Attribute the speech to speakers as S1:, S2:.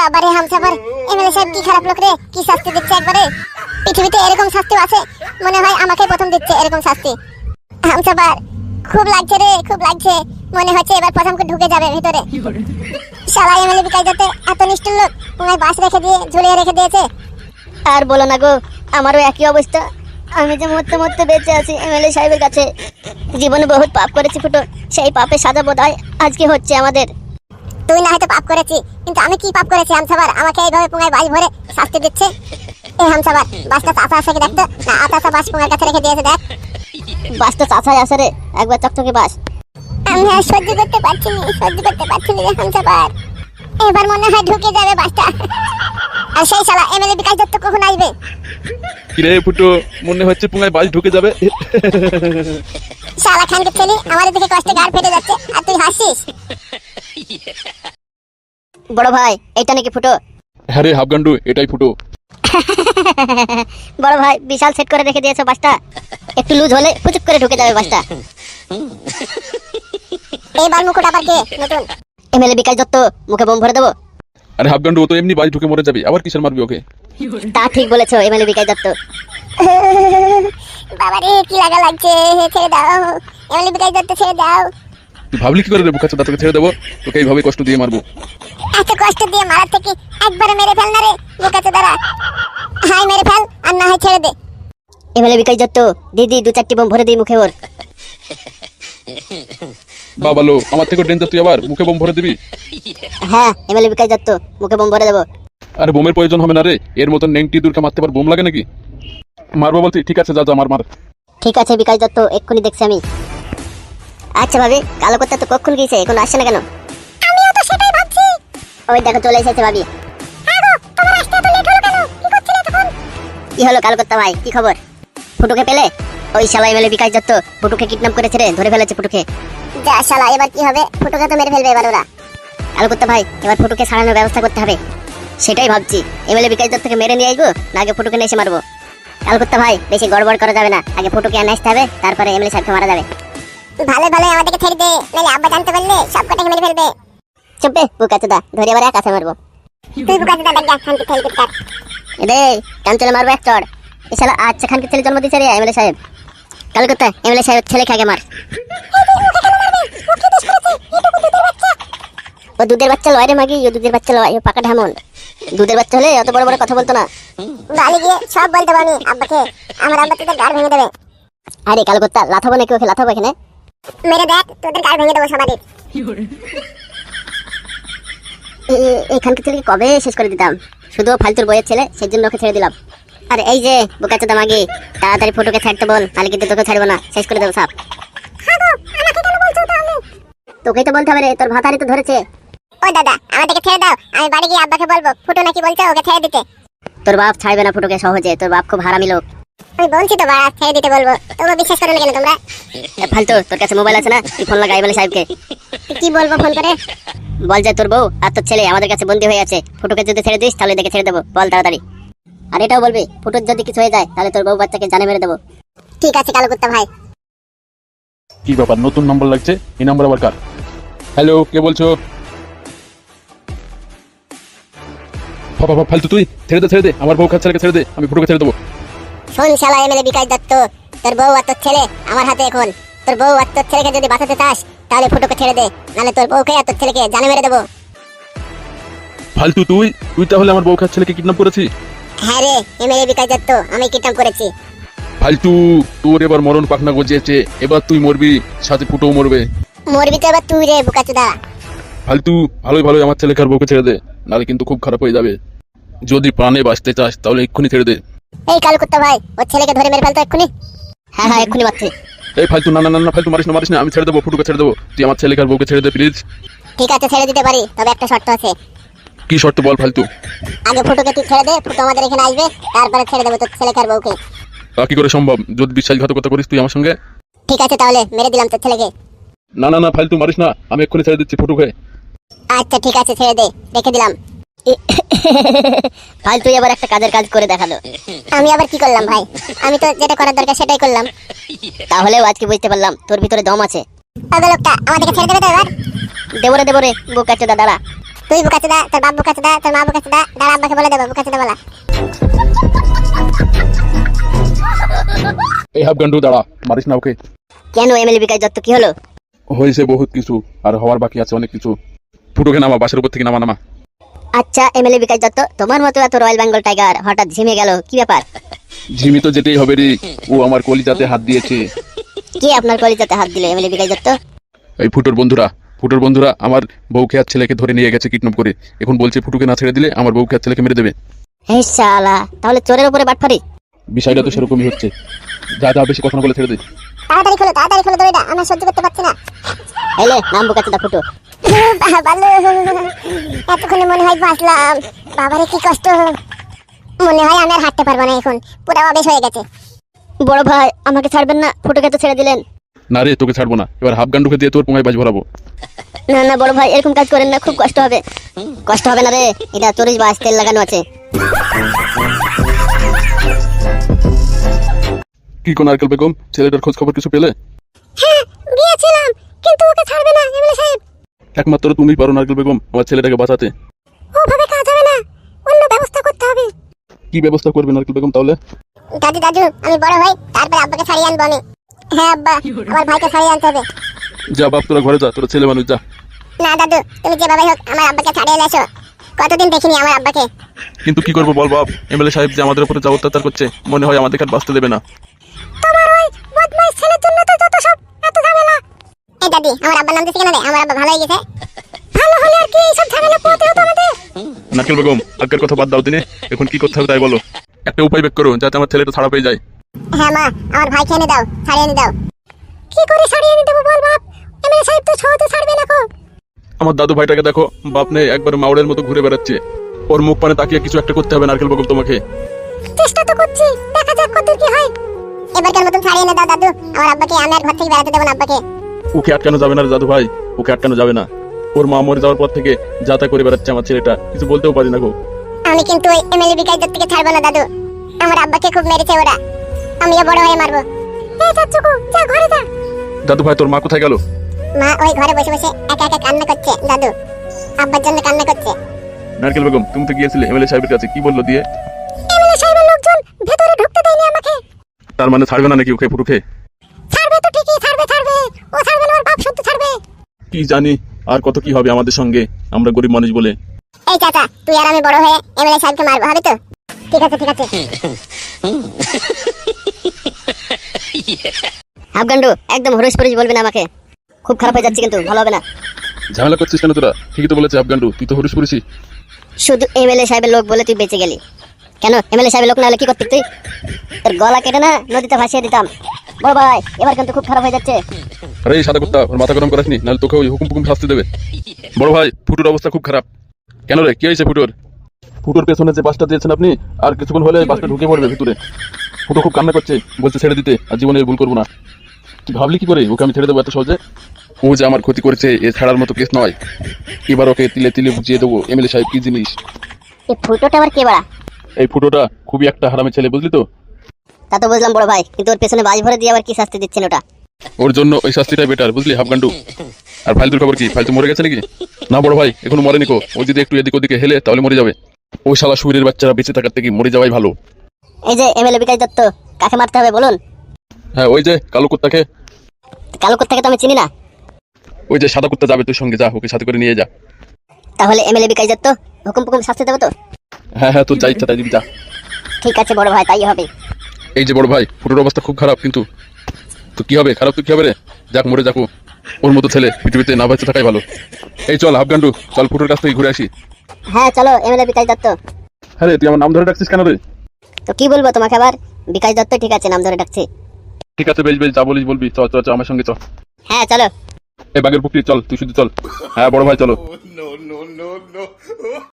S1: বাবারে হামসাফার এমএলএ সাহেব কি খারাপ লোক রে, কি শাস্তি দিচ্ছে একবারে। পৃথিবীতে এরকম শাস্তি আছে মনে হয় আমাকে প্রথম দিচ্ছে এরকম শাস্তি। হামসাফার খুব লাগছে রে, খুব লাগছে, মনে হচ্ছে এবার প্রথম ঢুকে যাবে ভিতরে। শালা এমএলএ বিকাশ দত্ত এত নিষ্ঠুর লোক, তোমায় বাস রেখে দিয়ে ঝুলিয়ে রেখে দিয়েছে।
S2: আর বলো না গো, আমারও একই অবস্থা। আমি যে মরতে মরতে বেঁচে আছি এমএলএ সাহেবের কাছে। জীবনে বহুত পাপ করেছি ফুটো, সেই পাপে সাজা বোধহয় আজকে হচ্ছে আমাদের।
S1: তুই না হয়তো পাপ করেছি, কিন্তু আমি কি পাপ করেছি হামসাফার আমাকে এইভাবে পুঙ্গায় বাস ভরে শাস্তি দিচ্ছে? এই হামসাফার বাসটা চাচা আসে কি দেখতো না, আতাসা বাস পুঙ্গার কাছে রেখে দিয়েছে দেখ।
S2: বাসটা চাচাই আসে রে, একবার চকচকে বাস।
S1: আমি আর সহ্য করতে পারছি না, সহ্য করতে পারছি না রে হামসাফার। এবার মনে হয় ঢুকে যাবে বাসটা। আর সেই শালা এমএলএ বিকাশ দত্ত কখন আসবে?
S3: কিরে ফুটো, মনে হচ্ছে পুঙ্গায় বাস ঢুকে যাবে।
S1: শালা খানকে ছেলে আমাদের দিকে কষ্টে গাড় ফেটে যাচ্ছে আর তুই হাসিস।
S2: বড় ভাই এইটা নাকি ফুটো?
S3: হ্যাঁ রে হাফগান্ডু, এটাই ফুটো।
S2: বড় ভাই বিশাল সেট করে রেখে দিয়েছো বাসটা, একটু লুজ হলে পুচুক করে ঢুকে যাবে বাসটা।
S1: এই বাল মুকুট আবার কে নতুন?
S2: এমএলএ বিকাশ দত্ত, মুখে বোম ভরে দেবো।
S3: আরে হাফগান্ডু, ও তো এমনি বাস ঢুকে মরে যাবে, আবার কিসের মারবি ওকে?
S2: তা ঠিক বলেছো এমএলএ বিকাশ দত্ত।
S1: বাবারে কি লাগা লাগছে, ছেড়ে দাও এমএলএ বিকাশ দত্ত, ছেড়ে দাও।
S3: তুই ভাবলি কি করে রে বুকাচ্ছা, তোকে ছেড়ে দেবো? তোকে এইভাবে কষ্ট দিয়ে মারবো?
S1: এত কষ্ট দিয়ে মারার থেকে একবারে মেরে ফেল না রে বোকাচোদা দ্বারা। হাই মেরে ফেল আর না হয় ছেড়ে দে।
S2: এমএলএ বিকাশ দত্ত, দিদি 2-4টি বোম ভরে দিই মুখে ওর।
S3: বাবা লো, আমার থেকে ডেঞ্জার, তুই আবার মুখে বোম ভরে দিবি?
S2: হ্যাঁ এমএলএ বিকাশ দত্ত, মুখে বোম ভরে দেবো।
S3: আরে বোমের প্রয়োজন হবে না রে, এর মতন নেংটি দূরকে মারতে পার বোম লাগে নাকি? মারবো বলছি, ঠিক আছে যা যা মার মার।
S2: ঠিক আছে বিকাশ দত্ত, এক্ষুনি দেখছি আমি। আচ্ছা ভাবি, কালো করতে তো কখন গিয়েছে, এখন আসছে না কেন?
S1: আমিও তো সেটাই ভাবছি।
S2: ওই দেখো চলে এসেছে ভাবি।
S1: আগো তোমার আসতে এত লেট হলো কেন? কি করছিলে তখন?
S2: কি হলো কালো করতে ভাই, কি খবর? ফুটুকে পেলে? ওই শালা এমএলএ বিকাশ দত্ত ফুটুকে কিডন্যাপ করেছে রে, ধরে ফেলেছে ফুটুকে।
S1: যা শালা, এবার কি হবে? ফুটোকে তো মেরে ফেলবে এবার ওরা।
S2: কালো করতে ভাই, এবার ফুটুকে ছাড়ানোর ব্যবস্থা করতে হবে। সেটাই ভাবছি, এমএলএ বিকাশ দত্তকে মেরে নিয়ে আসবো না আগে ফুটুকে নিয়ে এসে মারবো? কালো করতে ভাই, বেশি গড়বড় করা যাবে না, আগে ফুটুকে এনে আসতে হবে, তারপরে এমএলএ সাহেবকে মারা যাবে।
S1: ভালো ভালো আমাদেরকে ছেড়ে দে, নাহলে আব্বা জানতে পারলে সব কটাকে মেরে ফেলবে।
S2: চুপে বুকাচোদা, ধরে আবার এক কাছে মারবো।
S1: তুই বোকাচোদা দেখ যা, খানকে ছেলে কুত্তার।
S2: এদে কান চলে মারবো এক চড়। এ শালা আচ্ছা খানকে ছেলে জন্ম দিচ্ছে রে এমএলএ সাহেব। কালো করতে এমএলএ সাহেব ছেলেকে আগে মার। ও দুধের বাচ্চা লয় রে মাগি, ও দুধের বাচ্চা লয়, ও পাকা ঢামন। দুধের বাচ্চা হলে অত বড় বড় কথা বলতো না।
S1: বালি গিয়ে সব বলতে পারি আব্বাকে, আমার আব্বা তোদের গাড় ভেঙে দেবে।
S2: আরে কালো করতে লাথাবো নাকি ওকে, লাথাবো এখানে?
S1: মেরে দেখ তোদের গাড় ভেঙে দেবো সবারই।
S2: এইখানকে ছেলেকে কবে শেষ করে দিতাম, শুধু ফালতুর বইয়ের ছেলে, সেই জন্য ওকে ছেড়ে দিলাম। আর এই যে বোকাচোদা মাগি, তাড়াতাড়ি ফুটুকে ছাড়তে বল, তাহলে কিন্তু তোকে ছাড়বো না, শেষ করে দেবো সব। তোকেই তো বলতে হবে রে, তোর ভাতারি তো ধরেছে।
S1: ও দাদা আমাদেরকে ছেড়ে দাও, আমি বাড়ি গিয়ে আব্বাকে বলবো ফুটো নাকি বলছে ওকে ছেড়ে দিতে।
S2: তোর বাপ ছাড়বে না ফুটুকে সহজে, তোর বাপ খুব হারামি লোক।
S1: আমি বলছি তো বাড়া ছেড়ে দিতে বলবো, তোমরা বিশ্বাস করো না কেন তোমরা?
S2: ফালতু, তোর কাছে মোবাইল আছে না, তুই ফোন লাগা এমএলএ সাহেবকে।
S1: কি বলবো ফোন করে?
S2: বল যে তোর বউ আর তোর ছেলে আমাদের কাছে বন্দী হয়ে আছে, ফুটুকে যদি ছেড়ে দিস তাহলে দেখে ছেড়ে দেবো, বল তাড়াতাড়ি। আর এটাও বলবি ফুটুর যদি কিছু হয়ে যায় তাহলে তোর বউ বাচ্চাকে জানে মেরে দেবো।
S1: ঠিক আছে কালো কুত্তা ভাই।
S3: কি ব্যাপার, নতুন নম্বর লাগছে, এই নম্বর আবার কার? হ্যালো, কে বলছো? বাবা ফালতু, তুই ছেড়ে দে, আমার বউ ছেলেকে ছেড়ে দে, আমি ফুটোকে ছেড়ে দেবো।
S1: শোন শালা এমএলএ বিকাশ দত্ত, তোর বউ আর তোর ছেলে আমার হাতে এখন। তোর বউ আর তোর ছেলেকে যদি বাঁচাতে চাস তাহলে ফুটোকে ছেড়ে দে, নাহলে তোর বউকে আর তোর ছেলেকে জানে মেরে দেবো।
S3: ফালতু, তুই তাহলে আমার বউ ছেলেকে কিডন্যাপ করেছিস?
S1: হ্যাঁ রে এমএলএ বিকাশ দত্ত, আমি কিডন্যাপ করেছি।
S3: ফালতু, তোর এবার মরণ পাখনা গজিয়েছে, এবার তুই মরবি, সাথে ফুটোও মরবে।
S1: মরবি তো এবার তুই রে বোকাচোদা।
S3: ফালতু, ভালোই আমার ছেলেকে আর বউকে ছেড়ে দে, নাহলে কিন্তু খুব খারাপ হয়ে যাবে। যদি প্রাণে বাঁচতে চাস তাহলে এক্ষুনি ছেড়ে দে।
S1: এই কালো কুত্তা ভাই, ওর ছেলেকে ধরে মেরে ফেলতো এক্ষুনি।
S2: হ্যাঁ হ্যাঁ এক্ষুনি মারছি।
S3: এই ফালতু, না ফালতু, মারিস না, আমি ছেড়ে দেবো, ফুটুকে ছেড়ে দেবো, তুই আমার ছেলেকে আর বউকে ছেড়ে দে প্লিজ।
S1: ঠিক আছে ছেড়ে দিতে পারি, তবে একটা শর্ত আছে।
S3: কি শর্ত বল ফালতু?
S1: আগে ফুটোকে তুই ছেড়ে দে, ফুটো আমাদের এখানে আসবে, তারপরে ছেড়ে দেবো তোর ছেলেকে আর বউকে।
S3: তা কি করে সম্ভব, যদি বিশ্বাসঘাতকতা করিস তুই আমার সঙ্গে?
S1: ঠিক আছে তাহলে মেরে দিলাম তোর ছেলেকে।
S3: না ফালতু, মারিস না, আমি এক্ষুনি ছেড়ে দিচ্ছি ফুটুকে।
S1: আচ্ছা ঠিক আছে ছেড়ে দে, রেখে দিলাম।
S2: ফালতু এবার একটা কাজের কাজ করে দেখালো।
S1: আমি আবার কি করলাম ভাই? আমি তো যেটা করার দরকার সেটাই করলাম।
S2: তাহলেও আজকে বুঝতে পারলাম তোর ভিতরে দম আছে।
S1: পাগল লোকটা আমাদেরকে ছেড়ে দেবে তো এবার?
S2: দেবরে বোকাচোদা দাঁড়া।
S1: তুই বুকাচোদা, তোর বাপ বুকাচোদা, তোর মা বুকাচোদা, দাঁড়া আব্বাকে বলে দেবো বুকাচোদা বলা।
S3: এই হাফগান্ডু দাঁড়া, মারিস না ওকে।
S2: কেন এমএলএ বিকাশ দত্ত কি হলো?
S3: হয়েছে বহুত কিছু, আর হওয়ার বাকি আছে অনেক কিছু। ফুটোকে নামা, বাসের উপর থেকে নামা।
S2: আচ্ছা এমএলএ বিকাশ দত্ত, তোমার মতো এত রয়্যাল বেঙ্গল টাইগার হঠাৎ ঝিমে গেল, কি ব্যাপার?
S3: ঝিমি তো যেতেই হবে রে, ও আমার কলিজাতে হাত দিয়েছে।
S2: কে আপনার কলিজাতে হাত দিল এমএলএ বিকাশ দত্ত?
S3: এই ফুটোর বন্ধুরা আমার বউকে আর ছেলেকে ধরে নিয়ে গেছে কিডন্যাপ করে। এখন বলছে ফুটোকে না ছেড়ে দিলে আমার বউকে আর ছেলেকে মেরে দেবে।
S2: হে শালা, তাহলে চোরের উপরে বাটফারি।
S3: বিষয়টা তো সেরকমই হচ্ছে। যা বেশি কথা না বলে ছেড়ে দে।
S1: তাড়াতাড়ি খোলো দড়িটা, আমরা সহ্য করতে পারছি না।
S2: এলে নাম বুকাচোদা ফুটো।
S1: বালু, এতক্ষণে মনে হয় বাঁচলাম। বাবারে কি কষ্ট, মনে হয় আমি আর হাঁটতে পারবো না, এখন পুরো অবেশ হয়ে গেছে।
S2: বড় ভাই আমাকে ছাড়বেন না, ফুটোকে তো ছেড়ে দিলেন।
S3: না রে, তোকে ছাড়বো না, এবার হাফগান্ডুকে দিয়ে তোর পোঙায় বাজ ভরাবো।
S2: না না বড় ভাই, এরকম কাজ করেন না, খুব কষ্ট হবে। কষ্ট হবে না রে, এটা 40 বাস তেল লাগানো আছে।
S3: কি কোন নারকেল বেগম, ছেলেটার খোঁজ খবর কিছু পেলে?
S1: হ্যাঁ, গিয়েছিলাম, কিন্তু ওকে ছাড়বে না এমএলএ সাহেব।
S3: একমাত্র তুমিই পারো নারকেল বেগম আমার ছেলেটাকে বাঁচাতে।
S1: ওভাবে কাজ হবে না, অন্য ব্যবস্থা করতে হবে।
S3: কি ব্যবস্থা করবে নারকেল বেগম তাহলে?
S1: দাদু আমি বড় হই, তারপর আব্বাকে ছাড়িয়ে আনবো আমি। হ্যাঁ আব্বা, আমার ভাইকে ছাড়িয়ে আনতে হবে।
S3: যা বাপ, তোরা ঘরে যা, তোরা ছেলে মানুষ যা।
S1: না দাদু, তুমি যেভাবে হোক আমার আব্বাকে ছাড়িয়ে এনে এসো। কতদিন দেখিনি আমার আব্বাকে।
S3: কিন্তু কি করবো বল বাপ, এমএলএ সাহেব যে আমাদের উপরে যা অত্যাচার করছে, মনে হয় আমাদের আর বাঁচতে দেবে না।
S1: তোমার ওই বদমাইশ ছেলের জন্য তো যত সব এত ঝামেলা। এই দাদি, আমার আব্বার নাম দিছে কেন রে? আমার আব্বা ভালো হয়ে গেছে। ভালো হলে আর কি এই সব ঝামেলা পোহাতে হতো আমাদের?
S3: নারকেল বেগম, আগের কথা বাদ দাও দিনে, এখন কি করতে হবে তাই বলো। একটা উপায় বের করো যাতে আমার ছেলেটা ছাড়া পেয়ে যায়।
S1: হ্যাঁ মা, আমার ভাইকে এনে দাও, ছাড়িয়ে এনে দাও। কি করে ছাড়িয়ে এনে দেবো বল বাপ? এমএলএ সাহেব তো সহজে ছাড়বে না।
S3: আমার দাদু ভাইটাকে দেখো, বাপ নেই, একবার মাউড়ের মতো ঘুরে বেড়াচ্ছে। ওর মুখ পানে তাকিয়ে কিছু একটা করতে হবে নারকেল বেগম তোমাকে।
S1: চেষ্টা তো করছি, দেখা যাক কত কি হয়। এবারকার মতন ছাড়িয়ে এনে দাও দাদু, আমার আব্বাকে আমি আর ঘর থেকে বেড়াতে দেবো না আব্বাকে।
S3: ওকে আটকানো যাবে না রে দাদু ভাই, ওকে আটকানো যাবে না। ওর মা মরে যাওয়ার পর থেকে যাতা করে বেড়াচ্ছে আমার ছেলেটা, কিছু বলতেও পারি না গো।
S1: আমি কিন্তু ওই এমএলএ বিকাশ দত্তকে ছাড়বো না দাদু। আমার আব্বাকে খুব মেরেছে ওরা, আমিও বড় হয়ে মারবো। এই চাচুকু, যা ঘরে যা।
S3: দাদু ভাই, তোর মা কোথায় গেল?
S1: মা ওই ঘরে বসে বসে একা একা কান্না করছে দাদু, আব্বার জন্য কান্না করছে।
S3: নারকেল বেগম, তুমি তো গিয়েছিলে এমএলএ সাহেবের কাছে, কি বললো দিয়ে?
S1: এমএলএ সাহেবের লোকজন ভেতরে ঢুকতে দেয়নি আমাকে।
S3: তার মানে ছাড়বে না নাকি ওকে ফুটুকে?
S1: ছাড়বে তো ঠিকই, ছাড়বে। ও ছাড়বে না, ওর বাপ শুদ্ধ ছাড়বে।
S3: কি জানি আর কত কি হবে আমাদের সঙ্গে, আমরা গরিব মানুষ বলে।
S1: এই চাচা, তুই আর আমি বড় হয়ে এমএলএ সাহেবকে মারবো, হবে তো? ঠিক আছে।
S2: হাফগান্ডু একদম হরিশ পরিশ বলবি না আমাকে, খুব খারাপ হয়ে যাচ্ছে কিন্তু, ভালো হবে না।
S3: ঝামেলা করছিস কেন তোরা? ঠিকই তো বলেছে হাফগান্ডু, তুই তো হরিশ করেছিস।
S2: শুধু এমএলএ সাহেবের লোক বলে তুই বেঁচে গেলি। কেন এমএলএ সাহেবের লোক না হলে কি করতি তুই? তোর গলা কেটে না নদীতে ভাসিয়ে দিতাম। বড় ভাই এবার কিন্তু খুব খারাপ হয়ে যাচ্ছে।
S3: আরে এই সাদা কুত্তা, ওর মাথা গরম করাসনি, নাহলে তোকে ওই হুকুম শাস্তি দেবে। বড় ভাই, ফুটুর অবস্থা খুব খারাপ। কেন রে, কি হয়েছে ফুটুর? ফুটুর পেছনে যে বাসটা দিয়েছেন আপনি, আর কিছুক্ষণ হলে বাসটা ঢুকে পড়বে ভিতরে। ফুটো খুব কান্না করছে, বলছে ছেড়ে দিতে, আর জীবনে ভুল করবো না। তুই ভাবলি কি করে ওকে আমি ছেড়ে দেবো এত সহজে? ও যে আমার ক্ষতি করেছে, এ ছাড়ার মতো কেস নয়। এবার ওকে তিলে তিলে বুঝিয়ে দেবো এমএলএ সাহেব কি জিনিস।
S2: এই ফুটোটা আবার কে বাড়া?
S3: এই ফুটোটা খুবই একটা হারামি ছেলে, বুঝলি তো?
S2: তা তো বুঝলাম বড় ভাই, কিন্তু ওর পেছনে বাজ ভরে দিয়ে আবার কি শাস্তি দিচ্ছেন ওটা?
S3: ওর জন্য ওই শাস্তিটাই বেটার, বুঝলি হাফগান্ডু। আর ফাইলতুর খবর কি? ফাইলতু মরে গেছে নাকি? না বড় ভাই, এখনো মরেনি কো। ও যদি একটু এদিক ওদিকে হেলে তাহলে মরে যাবে। ওই শালা শরীরের বাচ্চারা বেঁচে থাকার থেকে মরে যাওয়াই ভালো।
S2: এই যে এমএলএ বিকাশ দত্ত, কাকে মারতে হবে বলুন?
S3: হ্যাঁ, ওই যে কালো কুত্তাকে।
S2: কালো কুত্তাকে তো আমি চিনি না।
S3: ওই যে সাদা কুত্তা যাবে তোর সঙ্গে, যা ওকে সাথে করে নিয়ে যা।
S2: তাহলে এমএলএ বিকাশ দত্ত হুকুম শাস্তি দেবো তো?
S3: হ্যাঁ, তোর যা ইচ্ছা তাই দিবি, যা।
S2: ঠিক আছে বড় ভাই, তাই হবে।
S3: এই যে বড় ভাই, ফুটোর অবস্থা খুব খারাপ, কিন্তু তো কি হবে? খারাপ তো কি হবে রে? যাক মরে যাকো, ওর মতো ছেলে পৃথিবীতে না বেঁচে থাকাই ভালো। এই চল হাফগান্ডু, চল ফুটোর কাছ থেকে ঘুরে আসি।
S2: হ্যাঁ চলো এমএলএ বিকাশ দত্ত।
S3: হ্যাঁ রে, তুই আমার নাম ধরে ডাকছিস কেন রে?
S2: তো কি বলবো তোমাকে আবার? বিকাশ দত্ত ঠিক আছে, নাম ধরে ডাকছি।
S3: ঠিক আছে, বেশ যা বলিস বলবি, চল আমার সঙ্গে চল।
S2: হ্যাঁ চলো।
S3: এই বাগের পুকুরি চল, তুই শুধু চল। হ্যাঁ বড় ভাই চলো।